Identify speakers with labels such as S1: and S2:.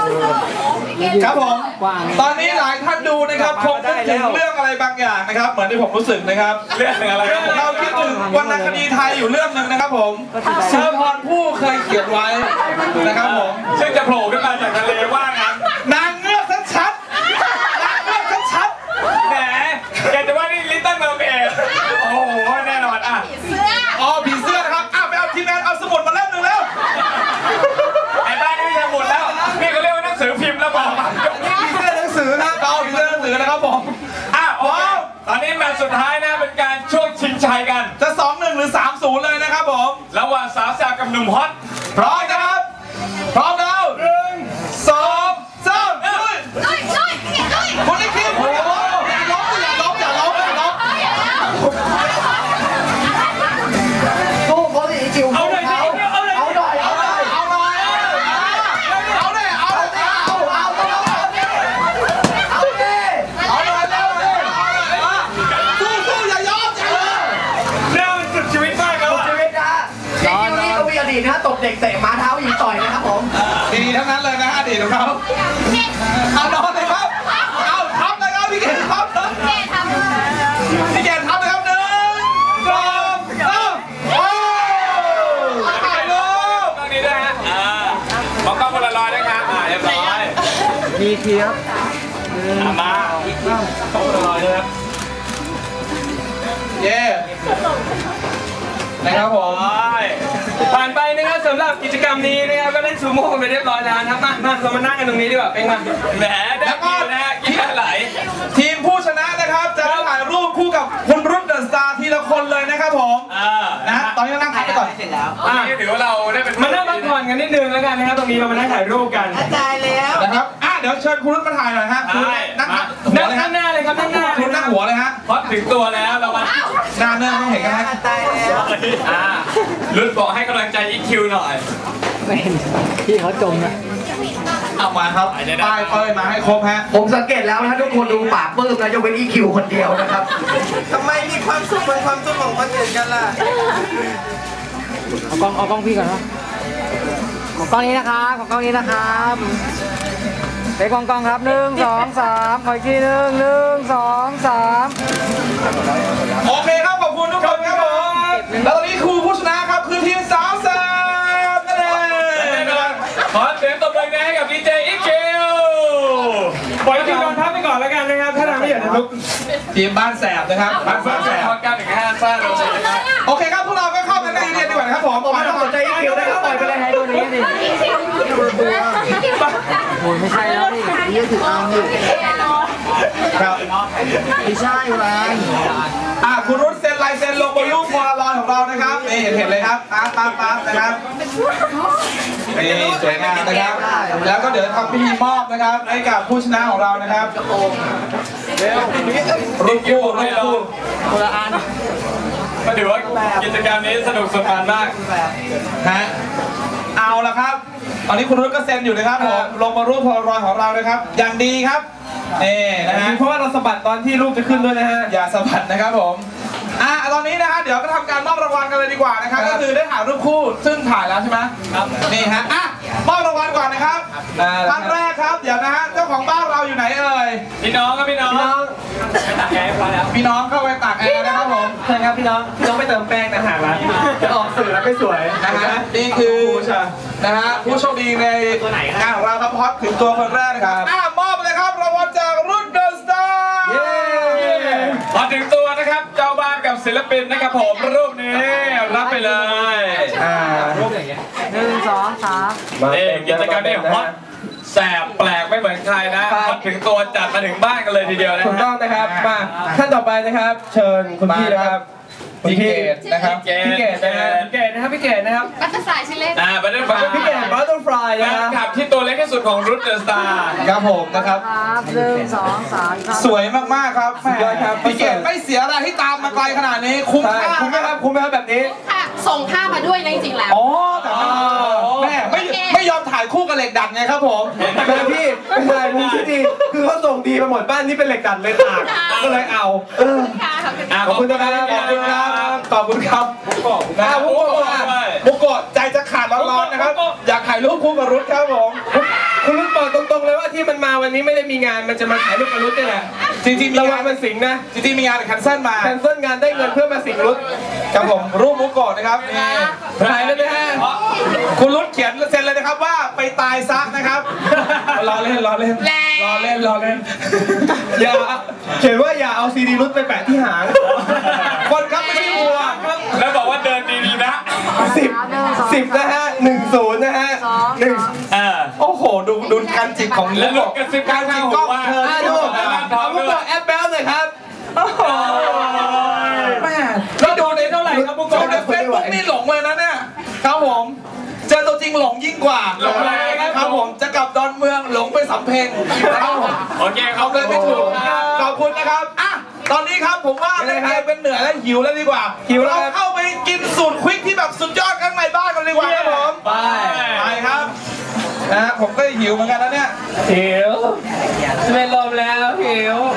S1: ครับผมตอนนี้หลายท่านดูนะครับคงนึกถึงเรื่องอะไรบางอย่างนะครับเหมือนที่ผมรู้สึกนะครับเรื่องอะไรเราคิดถึงวรรณคดีไทยอยู่เรื่องหนึ่งนะครับผมเชอร์พรผู้เคยเขียนไว้นะครับผมซึ่งจะโผล่ขึ้นมาจากทะเลว่างั้นนางเงือกชัดๆนางเงือกชัดๆแหมแกจะว่านี่ลิตเติ้ลเมอร์เมดโอ้โหแน่นอนอ่ะผีเสื้อนะครับไปเอาทีมงานเอาสมุดมาเล่มหนึ่งแล้วไอ้บ้านนี่สมุดแล้วนี่ก็เรียกว่าหนังสือพิมพ์แล้วบอกนี่ผีเสื้อหนังสือนะเอาผีเสื้อหนังสือนะครับผมโอ้ตอนนี้แมตช์สุดท้ายนะเป็นการช่วงชิงชัยกันจะ 2-1 หรือ 3-0 เลยนะครับผมระหว่างสาวแซ่บกับหนุ่มฮอตพร้อมนะครับพร้อมแล้ว1 2 3คนที่คิดอย่าล้มสู้เขาดิจิ๋วเอาหน่อยนะตบเด็กเตะม้าเท้ายิงต่อยนะครับผมดีทั้งนั้นเลยนะอดีตของเขาเอานอนเลยครับเอาทับเลยครับพี่เกศทับพี่เกศทับเลยครับ1 2 3โอ้ถ่ายรูปตรงนี้ด้วยฮะมองกล้องคนละร้อยนะครับเรียบร้อยมีเทียบมาต้องคนละร้อยด้วยครับเย้นะครับผมผ่านไปนะครับสำหรับกิจกรรมนี้นะครับก็เล่นซูโม่กันไปเรียบร้อยแล้วนะครับมาเรามานั่งกันตรงนี้ดีกว่าเป็นไงแหมแล้วก็นะกินไหลทีมผู้ชนะนะครับจะถ่ายรูปคู่กับคุณรุ่นเดอะสตาร์ทีละคนเลยนะครับผมนะตอนนี้นั่งพักไปก่อนเสร็จแล้วเดี๋ยวเราได้เป็นมานั่งพักผ่อนกันนิดนึงแล้วกันนะครับตรงนี้เรามานั่งถ่ายรูปกันได้แล้วนะครับเดี๋ยวเชิญคุณรุ่นมาถ่ายหน่อยฮะนั่งหน้าเลยครับนั่งหน้าคุณนั่งหัวเลยฮะพอถึงตัวแล้วเรามาหน้าเนิ่นไม่เห็นกันฮะตายแล้วรุ่นบอกให้กำลังใจEQหน่อยไม่เห็นพี่เขาจมนะเอามาครับป้ายเป้ยมาให้ครบฮะผมสังเกตแล้วนะทุกคนดูปากปื้มนะยกเว้นEQคนเดียวนะครับทำไมมีความสุขเป็นความสุขของคนอื่นกันล่ะเอากล้องพี่ก่อนนะของกล้องนี้นะครับของกล้องนี้นะครับไปกล้องครับ1 2 3ขออีกที1 2 3โอเคครับขอบคุณทุกคนครับผมแล้วตอนนี้ครูผู้ชนะครับคือทีมสาวแซ่บนั่นเองขอเสียงตบมือให้กับดีเจEQปล่อยทีมนอนพักไปก่อนแล้วกันนะครับถ้าทำไม่อยากจะลุกทีมบ้านแสบนะครับบ้านแสบกันถึง5 ซ่าเลยโอเคครับพวกเราก็เข้ากันได้เรียนดีกว่านะครับผมไม่ต้องสนใจEQนะครับปล่อยไปเลยให้ตัวนี้ดิโอ้ยไม่ใช่แล้วนี่ยืดถึงเอาอยู่ครับไม่ใช่แรงคุณรุ่นเซ็นลายเซ็นลงบนรูปโพลารอยด์ของเรานะครับนี่เห็นเลยครับปั๊บนะครับนี่สวยงามนะครับแล้วก็เดี๋ยวทำพิธีมอบนะครับให้กับผู้ชนะของเรานะครับรุ่นคู่คนละอันก็ถือว่ากิจกรรมนี้สนุกสนานมากฮะเอาละครับตอนนี้คุณรุ่นก็เซ็นอยู่นะครับผมลงมารูปโพลารอยด์ของเรานะครับอย่างดีครับนี่นะฮะเพราะว่าเราสะบัดตอนที่รูปจะขึ้นด้วยนะฮะอย่าสะบัดนะครับผมตอนนี้นะฮะเดี๋ยวก็ทำการมอบรางวัลกันเลยดีกว่านะครับก็คือได้ถ่ายรูปคู่ซึ่งถ่ายแล้วใช่ไหมครับนี่ฮะมอบรางวัลก่อนนะครับท่านแรกครับเดี๋ยวนะฮะเจ้าของบ้านเราอยู่ไหนเอ่ยพี่น้องครับพี่น้องไปตักแอร์พอแล้วพี่น้องเข้าไปตักแอร์นะครับผมใช่ครับพี่น้องไปเติมแป้งนะฮะร้านจะออกสื่อแล้วไม่สวยนะฮะนี่คือนะฮะผู้โชคดีในงานของเราครับพอดถึงตัวคนแรกนะครับมอบเลยครับรางวัลจากรุ่นเดอะสตาร์พอถึงตัวนะครับเจ้าบ้านกับศิลปินนะครับผมรูปนี้รับไปเลยรูปอย่างเงี้ย1 2 3นี่กิจกรรมนี้ฮอตแสบแปลกไม่เหมือนใครนะพอถึงตัวจัดมาถึงบ้านกันเลยทีเดียวนะถูกต้องนะครับมาท่านต่อไปนะครับเชิญคุณพี่นะครับพี่เกดนะครับพี่เกดนะครับพี่เกดนะครับบัตเตอร์ฟลายชื่อเล่นบัตเตอร์ฟลายพี่เกดบัตเตอร์ฟลายนะครับขับที่ตัวเล็กที่สุดของรุ่นเดอะสตาร์ครับผมนะครับ1 2 3สวยมากๆครับพี่เกดไม่เสียอะไรที่ตามมาไกลขนาดนี้คุ้มค่าคุ้มไหมครับแบบนี้
S2: ส่งท่ามาด้วยนะจริงๆแล้ว
S1: แต่แม่ไม่ยอมถ่ายคู่กับเหล็กดัดไงครับผม
S3: แต่พี่เป็นอะไรมุมที่ดีคือเขาส่งดีมาหมดบ้านนี่เป็นเหล็กดัดเลยตากก็เลยเอา
S1: ขอบคุณนะครับขอบคุณครับบุกโกะใจจะขาดร้อนๆนะครับอยากถ่ายรูปคู่กับรุ่นครับผม
S3: คุณรุ่นเปิดตรงที่มันมาวันนี้ไม่ได้มีงานมันจะมาถ่ายรูปกับรุดนี่แหละ
S1: จริงๆมี
S3: ระวั
S1: งาง น
S3: มันสิงนะ
S1: จริงๆมีงานแต่แคนเซิลมา
S3: แคนเซิลงานได้เงินเพื่อมาสิงรุด
S1: ครับผมรูปมุกโกะนะครับนี่
S3: ถ่ายเลยนะฮะ
S1: คุณรุดเขียนเซ็นเลยนะครับว่าไปตายซะนะครับรอเล่นรอเล่นรอเล่นรอเล่น
S3: อย่าเขียนว่าอย่าเอาซีดีรุดไปแปะที่หาง
S1: คนครับไม่ใช่วัว
S4: แล้วบอกว่าเดินดีๆนะ
S3: 10นะฮะ10นะฮะ1
S1: โอ้โหดูการจิกของ
S4: แล้
S1: มุ
S4: ว
S1: ก
S4: ลูก
S1: โกะ
S4: กระซิบข้างหูว่า
S1: เธอ
S3: ดู
S1: ที่
S3: เอาพวกเราแอปแบลหน่อยครับ
S1: แม่
S4: แล้วดูในเท่าไหร่ครับมุก
S1: โจ
S4: โกะ
S1: ในเฟซบุ๊กนี่หลงเลยนะเนี่ยครับผมเจอตัวจริงหลงยิ่งกว่า
S4: หลงอะไรครับ
S1: ครับผมจะกลับดอนเมืองหลงไปสำเพ็งครับผม
S4: โอเคครั
S1: เอา
S4: บ
S1: เลยไม่ถูกขอบคุณนะครับอ่ะตอนนี้ครับผมว่า
S3: ยังไงครับ
S1: เป็นเหนื่อยแล้วหิวแล้วดีกว่า
S3: หิวแล้วครับ
S1: เราเข้าไปกินสูตรควิกที่แบบสุดยอดข้างในบ้านกันดีกว่าครับผม
S3: ไป
S1: ไปครับนะฮะผมก็หิวเหมือนกันนะเนี่ย
S3: หิวเป็นลมแล้วหิว